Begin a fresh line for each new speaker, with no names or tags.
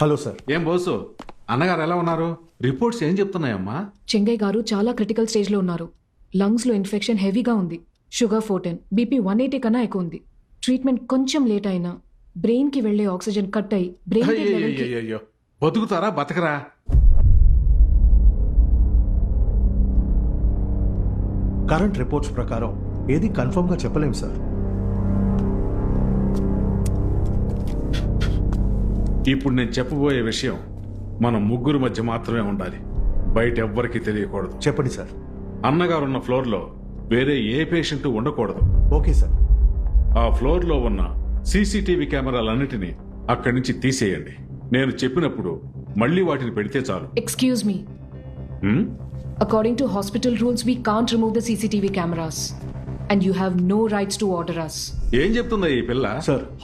Hello sir.
ఏం బోసు, అన్నగారు ఎలా ఉన్నారు? రిపోర్ట్స్ ఏం చెప్తున్నాయమ్మా?
చెంగయ్య గారు చాలా క్రిటికల్ స్టేజ్లో ఉన్నారు. లంగ్స్లో ఇన్ఫెక్షన్ హెవీగా ఉంది. షుగర్ 410, బీపీ 180 కన్నా ఎక్కువ ఉంది. ట్రీట్మెంట్ కొంచెం లేట్ అయినా బ్రెయిన్కి వెళ్లే ఆక్సిజన్ కట్ అయి బ్రెయిన్ లెవెల్కి
అయ్యో, బతుకుతారా బతకరా?
కరెంట్ రిపోర్ట్స్ ప్రకారం ఏది కన్ఫర్మ్గా చెప్పలేం సార్.
ఇప్పుడు నేను చెప్పబోయే విషయం మన ముగ్గురు మధ్య మాత్రమే ఉండాలి, బయట ఎవ్వరికీ తెలియకూడదు.
చెప్పండి సార్.
అన్నగారున్న ఫ్లోర్లో వేరే ఏ పేషెంట్ ఉండకూడదు.
Okay sir.
ఆ ఫ్లోర్లో ఉన్న సీసీటీవీ కెమెరాలన్నిటినీ అక్కడి నుంచి తీసేయండి. నేను చెప్పినప్పుడు మళ్ళీ వాటిని పెడితే చాలు.
ఎక్స్క్యూజ్ మీ,
హ్మ్?
according to hospital rules we can't remove the CCTV cameras and you have no rights to order us.
ఏం చెప్తుందా ఈ పిల్ల?
సార్